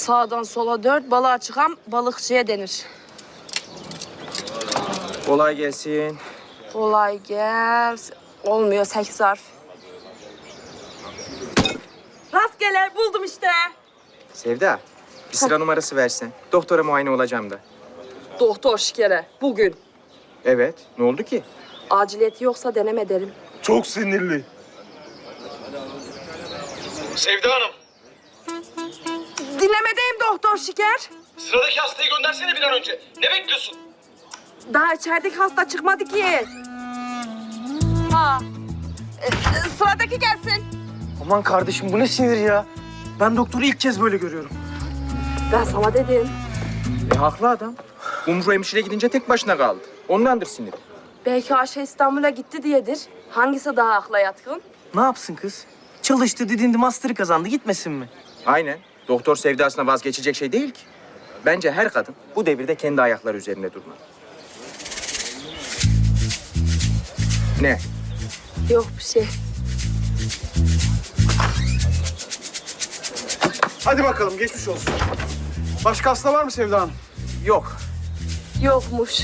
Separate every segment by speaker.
Speaker 1: Sağdan sola 4, balığa çıkan balıkçıya denir.
Speaker 2: Kolay gelsin.
Speaker 1: Kolay gelsin. Olmuyor 8 harf. Rastgele buldum işte.
Speaker 2: Sevda, bir sıra numarası versen. Doktora muayene olacağım da.
Speaker 1: Doktor şikere bugün.
Speaker 2: Evet, ne oldu ki?
Speaker 1: Aciliyeti yoksa deneme derim.
Speaker 3: Çok sinirli.
Speaker 4: Sevda Hanım,
Speaker 1: Dinlemedeyim doktor şiker.
Speaker 4: sıradaki hastayı göndersene bir an önce. Ne bekliyorsun?
Speaker 1: Daha içerideki hasta çıkmadı ki. Ha. Sıradaki gelsin.
Speaker 5: Aman kardeşim bu ne sinir ya? Ben doktoru ilk kez böyle görüyorum.
Speaker 1: Ben sana dedim.
Speaker 2: Haklı adam. Umru hemşire gidince tek başına kaldı. Ondandır siniri.
Speaker 1: Belki Ayşe İstanbul'a gitti diyedir. Hangisi daha akla yatkın?
Speaker 5: Ne yapsın kız? Çalıştı, didindi, master'ı kazandı. Gitmesin mi?
Speaker 2: Aynen. Doktor sevdasına vazgeçecek şey değil ki. Bence her kadın bu devirde kendi ayakları üzerinde durmalı. Ne?
Speaker 1: Yok bir şey.
Speaker 3: Hadi bakalım geçmiş olsun. Başka hasta var mı Sevda Hanım?
Speaker 2: Yok.
Speaker 1: Yokmuş.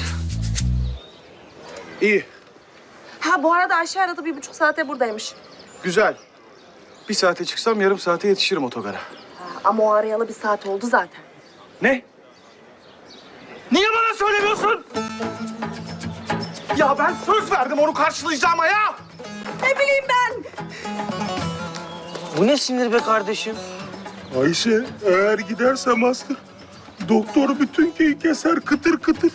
Speaker 3: İyi,
Speaker 1: Ha bu arada Ayşe aradı 1,5 saate buradaymış.
Speaker 3: güzel. Bir saate çıksam yarım saate yetişirim otogara.
Speaker 1: Ama o arayalı 1 saat oldu zaten.
Speaker 3: Ne? Niye bana söylemiyorsun? Ya ben söz verdim onu karşılayacağıma ya.
Speaker 1: Ne bileyim ben.
Speaker 5: Bu ne sinir be kardeşim?
Speaker 3: Ayşe eğer gidersem hasta doktor bütün köyü keser kıtır kıtır.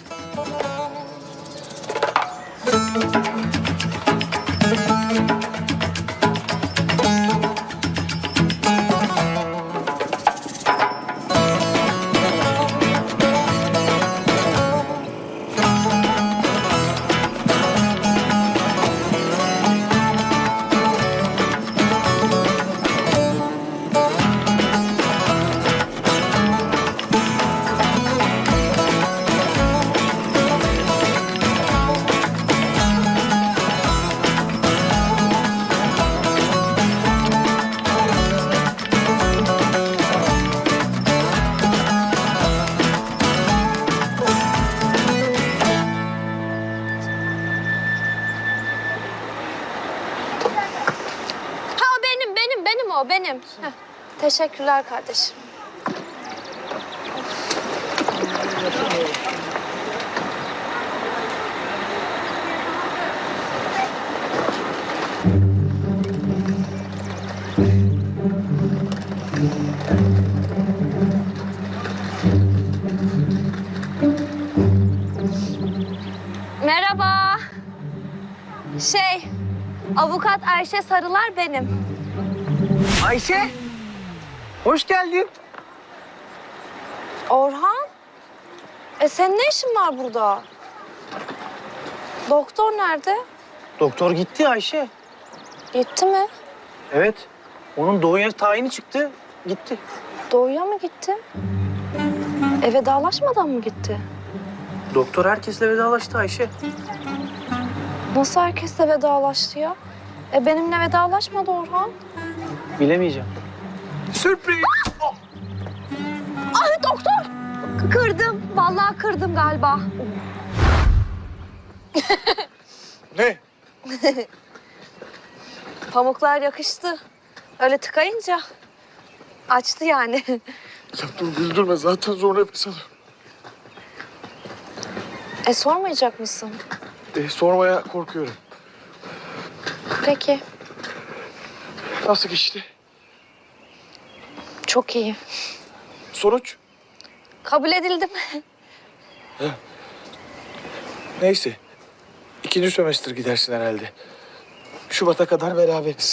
Speaker 6: Ha benim o benim. Heh. Teşekkürler kardeşim. Merhaba. Avukat Ayşe Sarılar benim.
Speaker 5: Ayşe! Hoş geldin.
Speaker 6: Orhan? Senin ne işin var burada? Doktor nerede?
Speaker 5: Doktor gitti Ayşe.
Speaker 6: Gitti mi?
Speaker 5: Evet. Onun doğuya tayini çıktı. Gitti.
Speaker 6: Doğuya mı gitti? Vedalaşmadan mı gitti?
Speaker 5: Doktor herkesle vedalaştı Ayşe.
Speaker 6: Nasıl herkesle vedalaştı ya? Benimle vedalaşmadı Orhan.
Speaker 5: Bilemeyeceğim.
Speaker 3: Sürpriz.
Speaker 6: Ay doktor! Kırdım. Vallahi kırdım galiba.
Speaker 3: Ne?
Speaker 6: Pamuklar yakıştı. Öyle tıkayınca açtı yani.
Speaker 3: Ya dur güldürme zaten zor nefes alıyorum.
Speaker 6: Sormayacak mısın?
Speaker 3: Sormaya korkuyorum.
Speaker 6: Peki.
Speaker 3: Nasıl geçti?
Speaker 6: Çok iyi.
Speaker 3: Sonuç?
Speaker 6: Kabul edildim.
Speaker 3: Neyse. 2. sömestr gidersin herhalde. Şubat'a kadar beraberiz.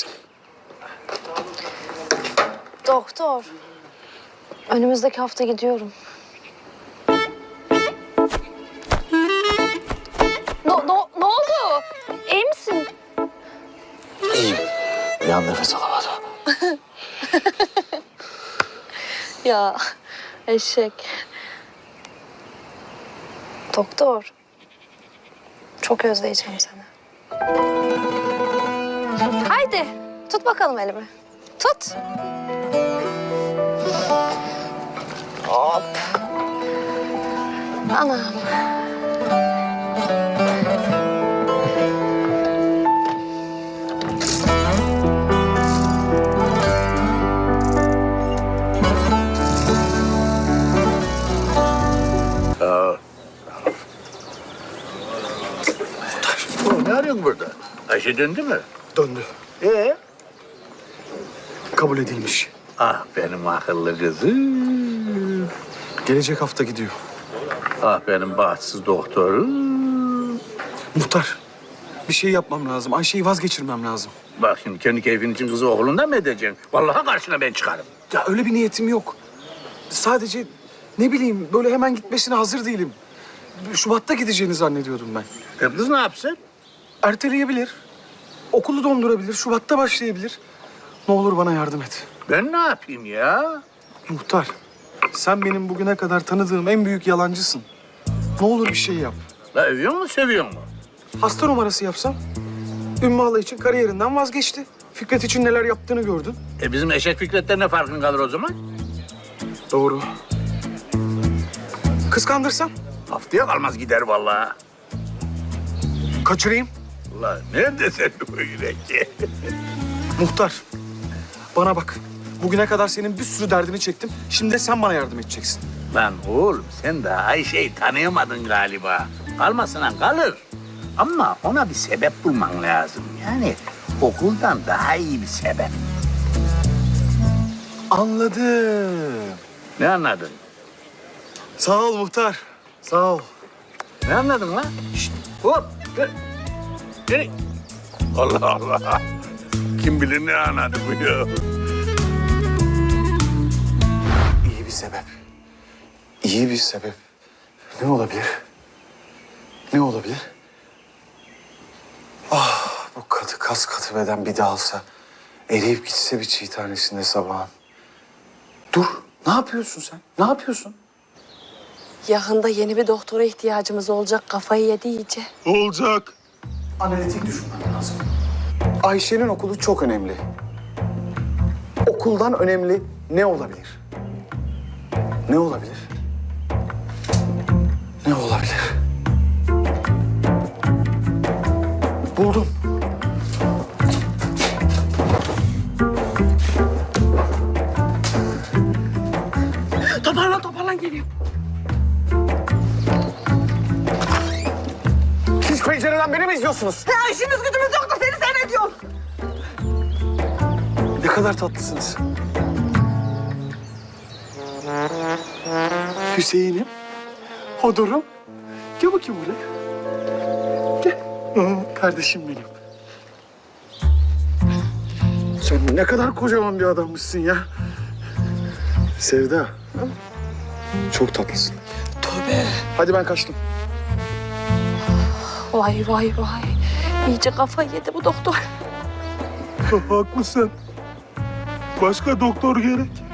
Speaker 6: Doktor. Önümüzdeki hafta gidiyorum. Ne oldu? İyi misin?
Speaker 3: İyiyim. Bir an nefes alamadım.
Speaker 6: Ya eşek. Doktor. Çok özleyeceğim seni. Haydi tut bakalım elimi. Tut. Anam.
Speaker 7: Ne arıyorsun burada? Ayşe döndü mü?
Speaker 5: Döndü. Kabul edilmiş.
Speaker 7: Ah benim akıllı kızım.
Speaker 5: Gelecek hafta gidiyor.
Speaker 7: Ah benim bahtsız doktorum.
Speaker 5: Muhtar, bir şey yapmam lazım. Ayşe'yi vazgeçirmem lazım.
Speaker 7: Bak şimdi kendi keyfin için kızı okulundan mı edeceksin? Vallahi karşına ben çıkarım.
Speaker 5: Ya öyle bir niyetim yok. Sadece ne bileyim böyle hemen gitmesine hazır değilim. Şubat'ta gideceğini zannediyordum ben.
Speaker 7: Kız ne yapsın?
Speaker 5: Erteleyebilir. Okulu dondurabilir. Şubat'ta başlayabilir. Ne olur bana yardım et.
Speaker 7: Ben ne yapayım ya?
Speaker 5: Muhtar, sen benim bugüne kadar tanıdığım en büyük yalancısın. Ne olur bir şey yap.
Speaker 7: La övüyor mu seviyor mu?
Speaker 5: Hasta numarası yapsam. Ümmü Hala için kariyerinden vazgeçti. Fikret için neler yaptığını gördün.
Speaker 7: Bizim eşek Fikret'ten ne farkın kalır o zaman?
Speaker 5: Doğru. Kıskandırsam
Speaker 7: Haftaya kalmaz gider vallahi.
Speaker 5: kaçırayım.
Speaker 7: La nerede senin bu yürek?
Speaker 5: Muhtar, bana bak. Bugüne kadar senin bir sürü derdini çektim. Şimdi de sen bana yardım edeceksin.
Speaker 7: Lan oğlum sen de Ayşe'yi tanıyamadın galiba. Kalmasına kalır. Ama ona bir sebep bulman lazım. Yani okuldan daha iyi bir sebep.
Speaker 5: Anladım.
Speaker 7: Ne anladın?
Speaker 5: Sağ ol muhtar. Sağ ol.
Speaker 7: Ne anladın lan? Şişt, hop. Dur. Nereye? Allah Allah. Kim bilir ne anladı bu ya?
Speaker 5: İyi bir sebep. İyi bir sebep. Ne olabilir? Ne olabilir? Ah, bu katı kas katı beden bir dağılsa, eriyip gitse bir çiğ tanesinde sabahın. Dur, ne yapıyorsun sen? Ne yapıyorsun?
Speaker 1: Yakında yeni bir doktora ihtiyacımız olacak. Kafayı yedi iyice.
Speaker 3: Olacak.
Speaker 5: Analitik düşünmem lazım. Ayşe'nin okulu çok önemli. Okuldan önemli ne olabilir? Ne olabilir? Ne olabilir? Buldum.
Speaker 1: Toparlan geliyor.
Speaker 5: Siz pencereden beni mi izliyorsunuz?
Speaker 1: Ya işimiz gücümüz yok da seni seyrediyoruz.
Speaker 5: Ne kadar tatlısınız. Hüseyin'im, Hodor'um. Gel bakayım buraya. Gel. Kardeşim benim. Sen ne kadar kocaman bir adammışsın ya. Sevda. Çok tatlısın.
Speaker 1: Tövbe.
Speaker 5: Hadi ben kaçtım.
Speaker 1: Vay vay vay. İyice kafayı yedi bu doktor.
Speaker 3: Haklısın. Başka doktor gerek.